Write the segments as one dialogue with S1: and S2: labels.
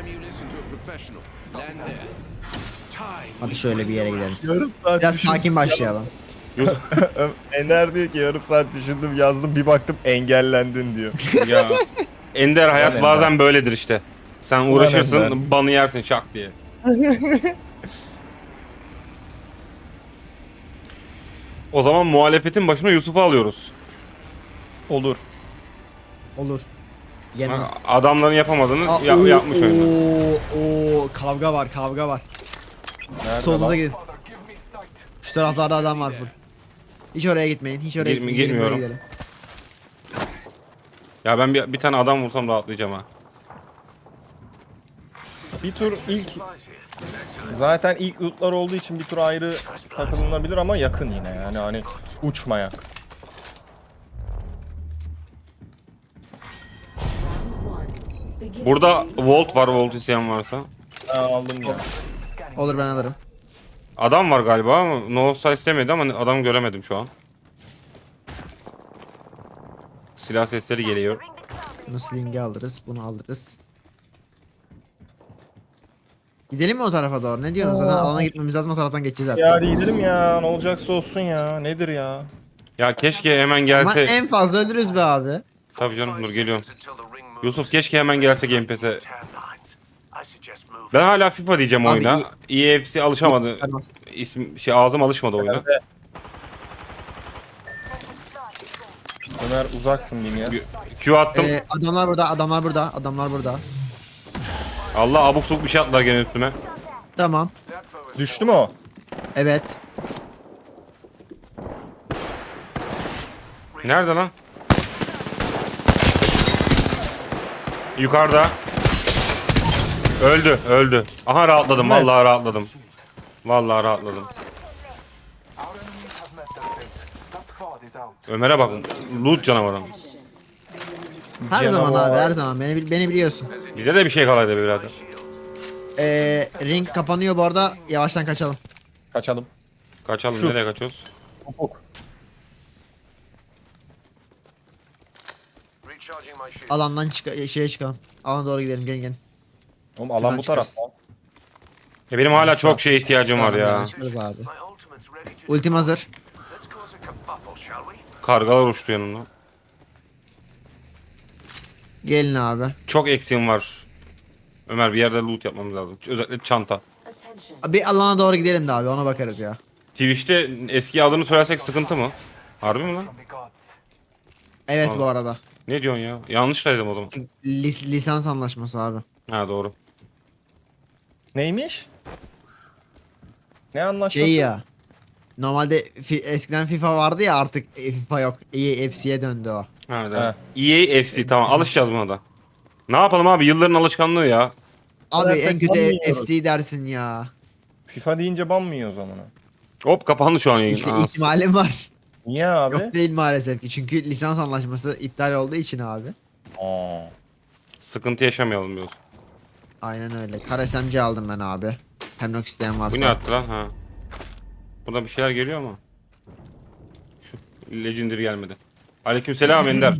S1: Hadi şöyle bir yere gidelim.
S2: Yarım saat
S1: Biraz
S2: düşündüm.
S1: sakin başlayalım.
S2: Ender diyor ki yarım saat düşündüm yazdım bir baktım engellendin diyor.
S3: Ya Ender hayat
S2: Ender.
S3: bazen böyledir işte. Sen
S2: Ender.
S3: uğraşırsın, banı yersin şak diye. O zaman muhalefetin başına Yusuf'u alıyoruz.
S2: Olur.
S1: Olur. Yenmez.
S3: Adamların yapamadığını
S1: Aa,
S3: yapmış oyunda.
S1: Kavga var, kavga var.
S2: Nerede
S1: Solunuza
S2: lan?
S1: gidin. Şu taraflarda adam var full. Hiç oraya gitmeyin, hiç oraya gitmeyin. Gelin buraya
S3: Gitmiyorum.
S1: gidelim.
S3: Ya ben bir tane adam vursam rahatlayacağım ha.
S2: Bir tur ilk zaten ilk lootlar olduğu için bir tur ayrı takılınabilir ama yakın yine yani hani uçmayak.
S3: Burada Volt var, Volt isteyen varsa.
S2: Ha, aldım ya.
S1: Olur, ben alırım.
S3: Adam var galiba ama no size istemedi ama adam göremedim şu an. Silah sesleri geliyor.
S1: Bunu sling'i alırız, bunu alırız. Gidelim mi o tarafa doğru? Ne diyorsunuz? Zaten alana gitmemiz lazım, o taraftan geçeceğiz artık.
S2: Ya hadi gidelim ya ne olacaksa olsun ya nedir ya.
S3: Ya keşke hemen
S1: Ama
S3: gelse.
S1: en fazla ölürüz be abi.
S3: Tabii canım, dur geliyorum. Yusuf keşke hemen gelse Game Pass'e. Ben hala FIFA diyeceğim
S1: Abi,
S3: oyuna. EFC alışamadı. Ağzım alışmadı oyuna.
S2: Ömer uzaksın diyeyim ya.
S3: Q attım.
S1: Adamlar burada, adamlar burada, adamlar burada.
S3: Allah, abuk subuk bir şey attılar gene üstüme.
S1: Tamam.
S2: Düştü mü o?
S1: Evet.
S3: Nerede lan? Yukarıda. Öldü, öldü. Aha rahatladım,
S2: Evet.
S3: vallahi rahatladım. Vallahi rahatladım. Ömer'e bak, loot canavarı.
S1: Her
S2: Canavar.
S1: zaman abi, her zaman. Beni biliyorsun.
S3: Bize de bir şey kalaydı be birader.
S1: Ring kapanıyor bu arada. Yavaştan kaçalım.
S2: Kaçalım.
S3: Kaçalım,
S2: Şu.
S3: nereye kaçıyoruz?
S2: Topuk.
S1: Alandan şeye çıkalım. Alana doğru gidelim, gelin.
S2: Oğlum alan
S1: Şuradan
S2: bu
S1: çıkarız.
S2: tarafta.
S3: Benim hala çok şeye ihtiyacım var ya.
S1: Çıkarız abi. Ultim hazır.
S3: Kargalar uçtu yanımda.
S1: Gelin abi.
S3: Çok eksiğim var. Ömer, bir yerde loot yapmamız lazım. Özellikle çanta.
S1: Bir alana doğru gidelim de abi, ona bakarız ya.
S3: Twitch'te eski adını söylersek sıkıntı mı? Harbi mi lan?
S1: Evet
S3: Abi.
S1: bu arada.
S3: Ne diyorsun ya? Yanlış dedim o zaman.
S1: Lisans anlaşması abi.
S3: Ha, doğru.
S2: Neymiş? Ne anlaşması?
S1: Şey ya. Normalde eskiden FIFA vardı ya, artık FIFA yok. EFC'ye döndü o.
S3: Ha,
S2: He.
S3: da. EA FC, tamam, alışacağız buna da. Ne yapalım abi, yılların alışkanlığı ya.
S1: Abi
S2: Dersek
S1: en kötü
S2: banmıyoruz.
S1: FC dersin ya.
S2: FIFA deyince ban mı yiyoruz amına?
S3: Hop, kapandı şu an yayın. Aa,
S1: İhtimalim var.
S2: Niye abi?
S1: Yok değil maalesef ki. Çünkü lisans anlaşması iptal olduğu için abi.
S2: Aa.
S3: sıkıntı yaşamayalım diyoruz.
S1: Aynen öyle. Kar SMG aldım ben abi. Hemlock isteyen varsa.
S3: Bu ne attı lan? Ha. Burada bir şeyler geliyor ama. Şu Legendary gelmedi. Aleykümselam Ender.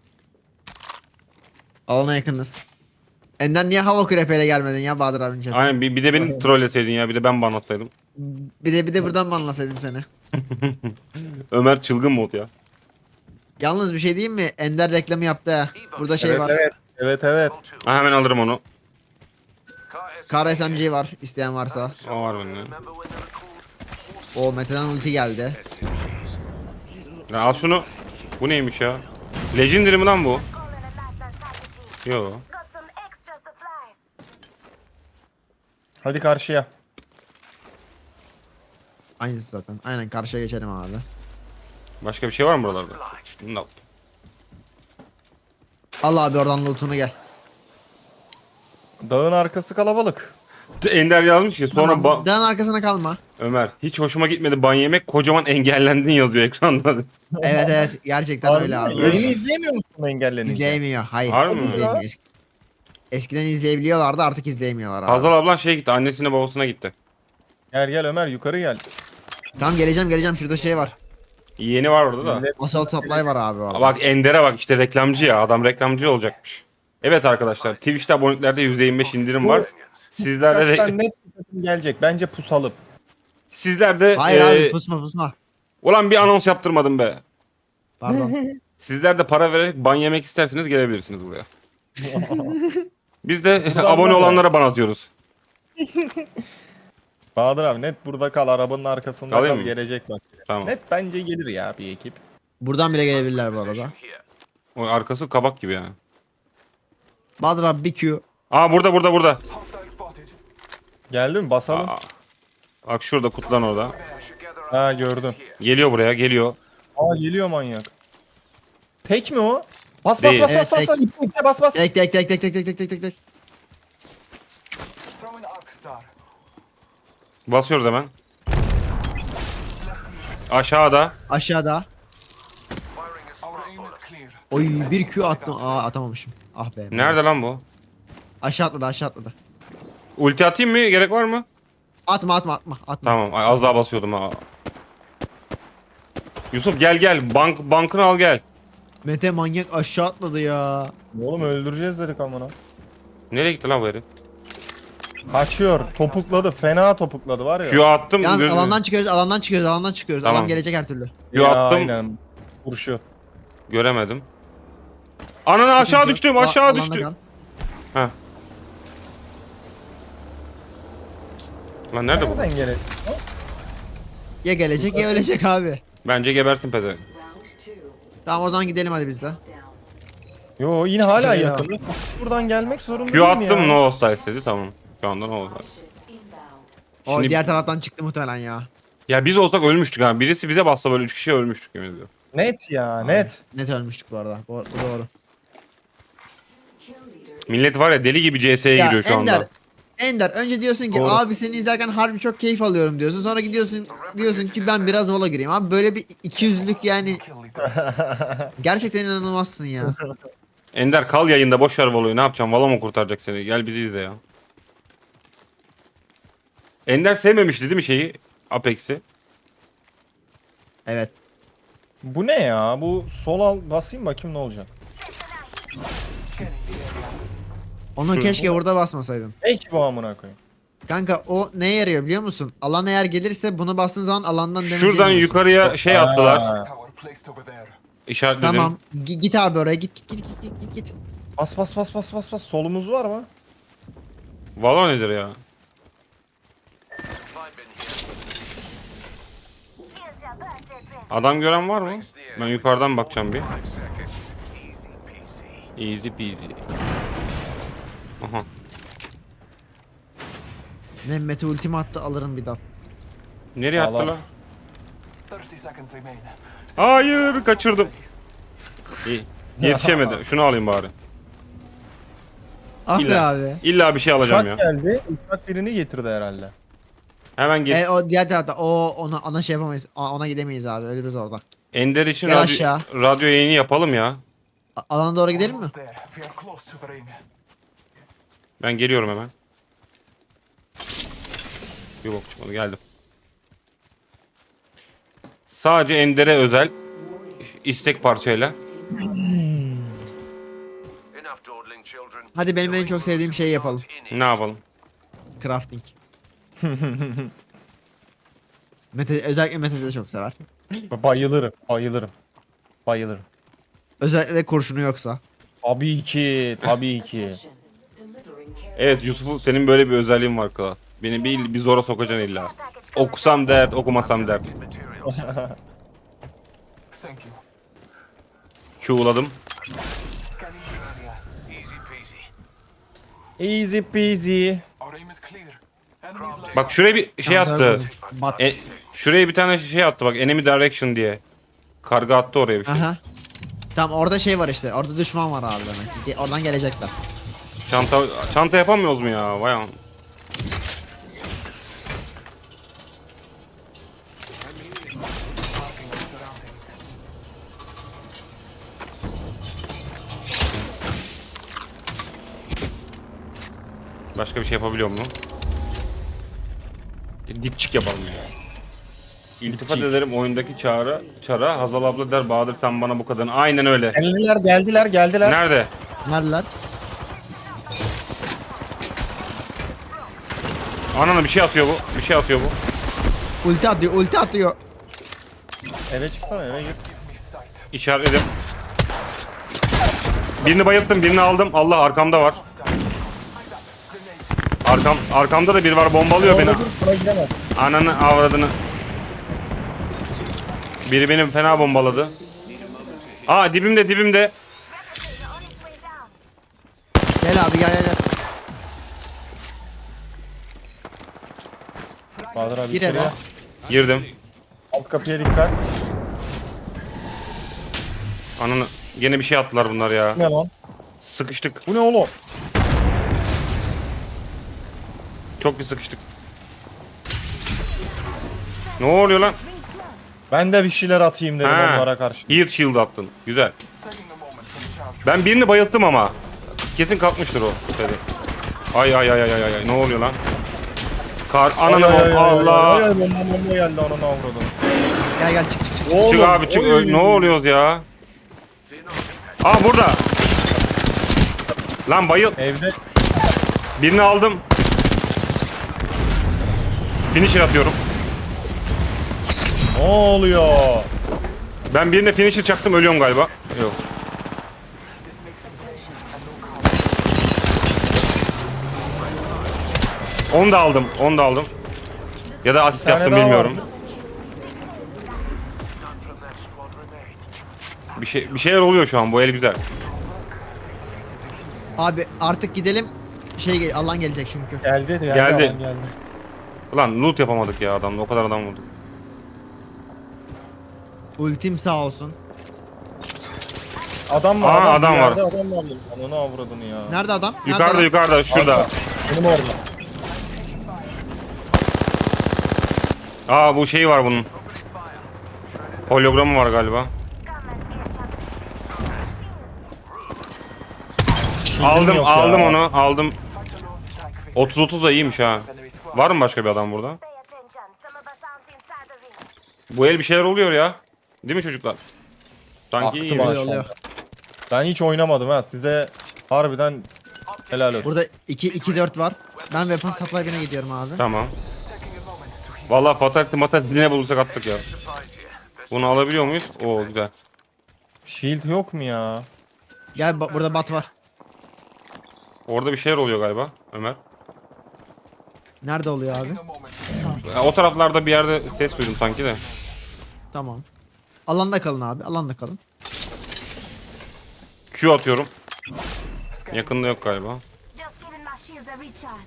S1: Alana yakınız. Ender niye hava kürepeyle gelmedin ya Bahadır abinin chatine?
S3: Aynen, bir de beni trolleseydin ya, bir de ben ban atsaydım.
S1: Bir de buradan mı anlasaydım seni?
S3: Ömer çılgın mod ya.
S1: Yalnız bir şey diyeyim mi? Ender reklamı yaptı ha. Burada şey
S2: Evet,
S1: var.
S2: evet. Evet evet.
S3: Ha, hemen alırım onu.
S1: Kar SMG var isteyen varsa.
S3: O var bende.
S1: O Mete'den ulti geldi.
S3: Ya al şunu. Bu neymiş ya? Legendary mi lan bu? Yo.
S2: Hadi karşıya.
S1: Aynısı zaten. Aynen karşıya geçelim abi.
S3: Başka bir şey var mı buralarda? No.
S1: Al abi oradan loot'unu gel.
S2: Dağın arkası kalabalık.
S3: Ender yazmış ki sonra
S1: Tamam, dağın arkasına kalma.
S3: Ömer, hiç hoşuma gitmedi ban yemek, kocaman engellendin yazıyor ekranda.
S1: Evet evet gerçekten öyle abi.
S2: Yayını izleyemiyor musun engellenince?
S1: İzleyemiyor. Hayır.
S3: Harbi mi?
S1: izleyemiyor. Eskiden izleyebiliyorlardı, artık izleyemiyorlar abi.
S3: Hazal ablan şey gitti, annesine babasına gitti.
S2: Gel gel Ömer yukarı gel.
S1: Tamam geleceğim şurada şey var.
S3: Yeğeni var orada da.
S2: Millet-
S1: Assault supply var abi orada.
S3: Bak Ender'e bak, işte reklamcı ya, adam reklamcı olacakmış. Evet arkadaşlar, Twitch'te aboneliklerde %25 indirim var. Sizlerde
S2: Kaçtan
S3: de
S2: net bir takım gelecek. Bence pusalım.
S3: sizler de
S1: Hayır abi pusma.
S3: ulan bir anons yaptırmadım be.
S1: Pardon.
S3: Sizler de para vererek ban yemek isterseniz gelebilirsiniz buraya. Biz de
S2: Buradan
S3: abone
S2: var ya.
S3: olanlara ban atıyoruz.
S2: Bahadır abi net burada kal. Arabanın arkasında
S3: Kalayım
S2: kal.
S3: mı?
S2: Gelecek bak.
S3: Tamam.
S2: Net bence gelir ya bir ekip.
S1: Buradan bile gelebilirler bu arada.
S3: O arkası kabak gibi yani.
S1: Bahadır abi bir Q.
S3: Aa burada.
S2: Geldi mi? Basalım.
S3: Aa, bak şurada kutlan orada.
S2: Ha gördüm.
S3: Geliyor buraya geliyor.
S2: Aa geliyor manyak. Tek mi o? Bas
S3: Değil.
S2: bas bas
S1: Evet,
S2: bas bas.
S1: tek.
S2: İpte bas bas.
S1: Tek.
S3: Basıyoruz hemen. Aşağıda.
S1: Aşağıda. Oy bir Q attım. Aa atamamışım. Ah be.
S3: Nerede lan bu?
S1: Aşağı atladı.
S3: Ulti atayım mı? Gerek var mı?
S1: Atma.
S3: Tamam. Ay, az daha basıyordum ha. Yusuf gel. Bankını al gel.
S1: Mete manyak aşağı atladı ya.
S2: Oğlum öldüreceğiz dedik amına.
S3: Nereye gitti lan bu herif?
S2: Kaçıyor. Topukladı. Fena topukladı var ya.
S3: Q attım.
S1: Yalnız alandan çıkıyoruz.
S3: Tamam.
S1: Adam gelecek her türlü.
S3: Q
S2: Ya,
S3: attım.
S2: Aynen. Vuruşu.
S3: Göremedim. Ananı aşağı
S1: Sıkıntı
S3: düştüm.
S1: yok.
S3: Aşağı
S1: Alanda
S3: düştüm.
S1: kal.
S3: Heh. Lan nerede bu?
S2: Nereden gelecek?
S1: Ya gelecek ya ölecek abi.
S3: Bence gebersin pede.
S1: Tamam o zaman gidelim hadi biz de.
S2: Yo yine hala
S1: Şöyle
S2: yakın. Buradan gelmek zorunda
S3: Q
S2: değil mi
S3: attım
S2: ya?
S3: no hostile dedi tamam. Şu anda no hostile.
S1: O
S3: Şimdi-
S1: diğer taraftan çıktı muhtemelen ya.
S3: Ya biz olsak ölmüştük ha. Birisi bize bassa böyle 3 kişi ölmüştük yemin ediyorum.
S2: Net ya net.
S1: Net ölmüştük bu arada. Bu doğru.
S3: Millet var ya deli gibi CS'ye
S1: Ya
S3: giriyor şu anda.
S1: Ender önce diyorsun ki
S2: Doğru.
S1: abi seni izlerken harbi çok keyif alıyorum diyorsun. Sonra diyorsun ki ben biraz vola gireyim. Abi böyle bir 200'lük yani. Gerçekten inanılmazsın ya.
S3: Ender kal yayında boş ver Valo'yu ne yapacağım? Valo mu kurtaracak seni? Gel bizi izle ya. Ender sevmemişti değil mi şeyi? Apex'i.
S1: Evet.
S2: Bu ne ya? Bu sol al basayım bakayım ne olacak.
S1: Onu keşke burada basmasaydın.
S2: Ek bu amına koyayım.
S1: Kanka o neye yarıyor biliyor musun? Alan eğer gelirse bunu bastığın zaman alandan damage
S3: Şuradan
S1: yemiyorsun.
S3: yukarıya şey attılar.
S2: Aa.
S3: İşaretledim.
S1: Tamam. Git abi oraya git.
S2: Bas bas bas bas bas bas. Solumuz var mı?
S3: Valo nedir ya? Adam gören var mı? Ben yukarıdan bakacağım bir. Easy peasy. Aha.
S1: Ne Mete ultimi attı alırım bir dal.
S3: Nereye attı
S2: Allah.
S3: lan? Hayır kaçırdım. İyi. Yetişemedi. Şunu alayım bari.
S1: Ah be
S3: İlla,
S1: abi.
S3: illa bir şey alacağım
S2: Uçak
S3: ya.
S2: geldi. Uçak birini getirdi herhalde.
S3: Hemen geç.
S1: O diğer tarafta ona şey yapamayız. Ona gidemeyiz abi. Ölürüz orada.
S3: Ender için
S1: Gel aşağı.
S3: radyo yayını yapalım ya.
S1: Alana doğru gidelim mi?
S3: Ben geliyorum hemen. Bir bok çıkmadı geldim. Sadece Ender'e özel istek parçayla.
S1: Hadi benim en çok sevdiğim şeyi yapalım.
S3: Ne yapalım?
S1: Crafting. Mete, özellikle Mete de çok sever.
S2: Bayılırım. Bayılırım. Bayılırım.
S1: Özellikle de kurşunu yoksa.
S2: Tabii ki. Tabii ki.
S3: Evet Yusuf'u senin böyle bir özelliğin var kral. Beni bir zora sokacaksın illa. Okusam dert, okumasam dert. Q'ladım.
S2: Easy peasy.
S3: Bak şuraya bir şey attı.
S1: Bat.
S3: Şuraya bir tane şey attı bak enemy direction diye. Karga attı oraya bir şey.
S1: Aha. Tamam orada şey var işte. Orada düşman var abi demek. Oradan gelecekler.
S3: Çanta yapamıyoruz mu ya? Vay an. Başka bir şey yapabiliyor mu? Dipçik yapalım ya. İltifat ederim oyundaki çara. Hazal abla der Bahadır sen bana bu kadın. Aynen öyle.
S2: Geldiler geldiler geldiler.
S3: Nerede?
S1: Neredeler?
S3: Ananı bir şey atıyor bu. Bir şey atıyor bu.
S1: Ulti atıyor, ulti atıyor.
S2: Eve çıksana, eve gir.
S3: İşaretledim. Birini bayılttım, birini aldım. Allah arkamda var. Arkamda da biri var, bombalıyor beni.
S2: Orada dur, buna gidemez.
S3: Ananı avradını. Biri beni fena bombaladı. Aa dibimde dibimde.
S1: Gel abi gel.
S2: Bahadır abi
S1: Gir eve.
S2: içeriye.
S3: Girdim.
S2: Alt kapıya dikkat.
S3: Ananı. Gene bir şey attılar bunlar ya.
S2: Ne lan?
S3: Sıkıştık.
S2: Bu ne oğlum?
S3: Çok bir sıkıştık. Ne oluyor lan?
S2: Ben de bir şeyler atayım dedim
S3: Ha.
S2: onlara karşı.
S3: Heat shield attın. Güzel. Ben birini bayılttım ama. Kesin kalkmıştır o. Dedi. Ay ay ay ay ay ay. Ne oluyor lan? Ananı Allah.
S2: Ay bomba geldi ananı avradım.
S1: Gel çık.
S2: Oğlum,
S3: Çık abi çık.
S2: oy.
S3: Ne oluyoruz ya? Aa burada. Lan bayıl.
S2: Evde
S3: Birini aldım. Finisher atıyorum.
S2: ne oluyor?
S3: Ben birine finisher çaktım, ölüyorum galiba. Yok. Onu da aldım. Onu da aldım. Ya da asist
S2: Bir tane
S3: yaptım
S2: daha
S3: bilmiyorum.
S2: var.
S3: Bir şeyler oluyor şu an. Bu el güzel.
S1: Abi artık gidelim. Alan gelecek çünkü.
S2: Geldi.
S3: Geldi.
S2: Adam geldi.
S3: Ulan loot yapamadık ya adamla. O kadar adam vurduk.
S1: Ultim sağ olsun.
S2: Adam var.
S3: Aa, adam
S2: bir
S3: var.
S2: yerde Adam var. Ananı avradını ya.
S1: Nerede adam?
S3: Yukarıda
S1: Nerede adam?
S3: yukarıda şurada.
S2: Benim orada.
S3: Aa bu şey var bunun. Hologramı var galiba. Aldım
S2: yok
S3: aldım
S2: ya.
S3: onu aldım. 30-30 da iyiymiş ha. Var mı başka bir adam burada? Bu el bir şeyler oluyor ya. Değil mi çocuklar? Sanki
S2: Aktı
S3: iyi.
S2: maşallah.
S1: Oluyor.
S2: Ben hiç oynamadım ha. Size harbiden helal olsun.
S1: Burada 2-4 var. Ben weapon supply'ına gidiyorum abi.
S3: Tamam. Vallahi fatality ne bulursak attık ya. Bunu alabiliyor muyuz? Oo güzel.
S2: Shield yok mu ya?
S1: Gel burada bat var.
S3: Orada bir şeyler oluyor galiba Ömer.
S1: Nerede oluyor abi?
S3: O taraflarda bir yerde ses duydum sanki de.
S1: Tamam. Alanda kalın abi. Alanda kalın.
S3: Q atıyorum. Yakında yok galiba.
S4: Just giving my shields a recharge.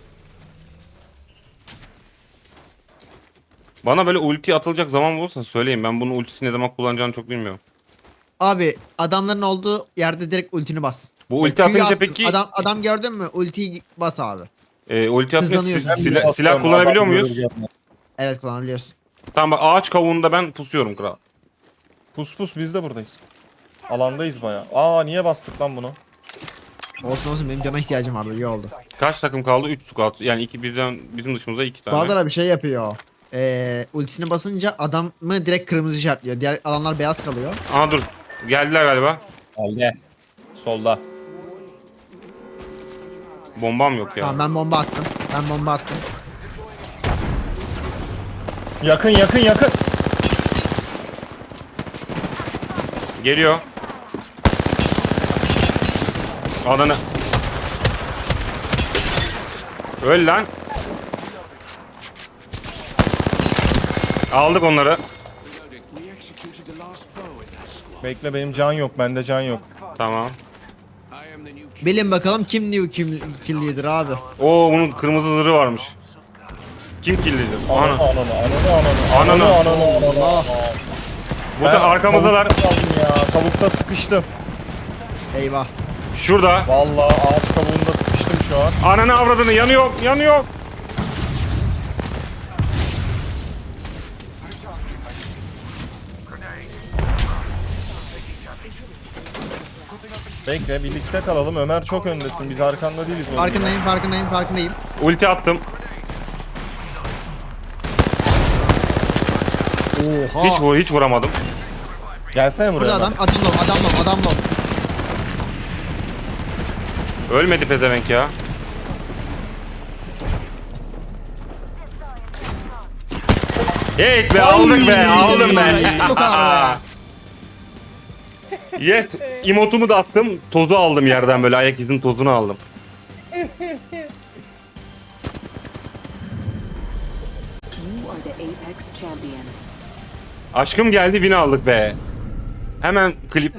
S3: Bana böyle ulti atılacak zaman bulursa söyleyin. Ben bunun ultisini ne zaman kullanacağını çok bilmiyorum.
S1: Abi adamların olduğu yerde direkt ultini bas.
S3: Bu ulti
S1: Q'yu
S3: atınca
S1: attın,
S3: peki
S1: Adam gördün mü? Ultiyi bas abi.
S3: ulti atınca
S1: Hızlanıyorsun.
S3: silah kullanabiliyor muyuz?
S1: Evet kullanabiliyorsun.
S3: Tamam bak ağaç kavuğunda ben pusuyorum kral.
S2: Pus biz de buradayız. Alandayız baya. Aa niye bastık lan bunu?
S1: Olsun benim cana ihtiyacım vardı. İyi oldu.
S3: Kaç takım kaldı? 3 squad. Yani bizim dışımızda 2 tane.
S1: Bahadır abi şey yapıyor. Ultisini basınca adamı direkt kırmızı işaretliyor. Diğer alanlar beyaz kalıyor.
S3: Aa dur. Geldiler galiba.
S2: Geldi. Solda.
S3: Bombam yok ya.
S1: Tamam ben bomba attım.
S2: Yakın.
S3: Geliyor. Ananı. Öl lan. Aldık onları.
S2: Bekle benim can yok. Bende can yok.
S3: Tamam.
S1: Bilin bakalım kim new kill leader abi.
S3: Oo bunun kırmızı zırhı varmış. Kim killedi? Ana.
S2: Ananı.
S1: Allah.
S3: Bu da arkamızdalar.
S2: Tavukta sıkıştım.
S1: Eyvah.
S3: Şurada.
S2: Vallahi ağaç kabuğunda sıkıştım şu an.
S3: Ananı avradını yanıyor.
S2: Bekle birlikte kalalım. Ömer çok öndesin. Biz arkanda değiliz. oğlum.
S1: Farkındayım.
S3: Ulti attım.
S1: Oha.
S3: Hiç vuramadım.
S2: Gelsene buraya.
S1: Burada
S2: Ömer.
S1: adam low.
S3: Ölmedi pezevenk ya. Hey be aldık be aldım ben.
S1: İşte bu kadar be.
S3: Yes. Emotumu da attım. Tozu aldım yerden böyle ayak izinin tozunu aldım.
S5: You are the Apex champions.
S3: Aşkım geldi, win aldık be. Hemen klip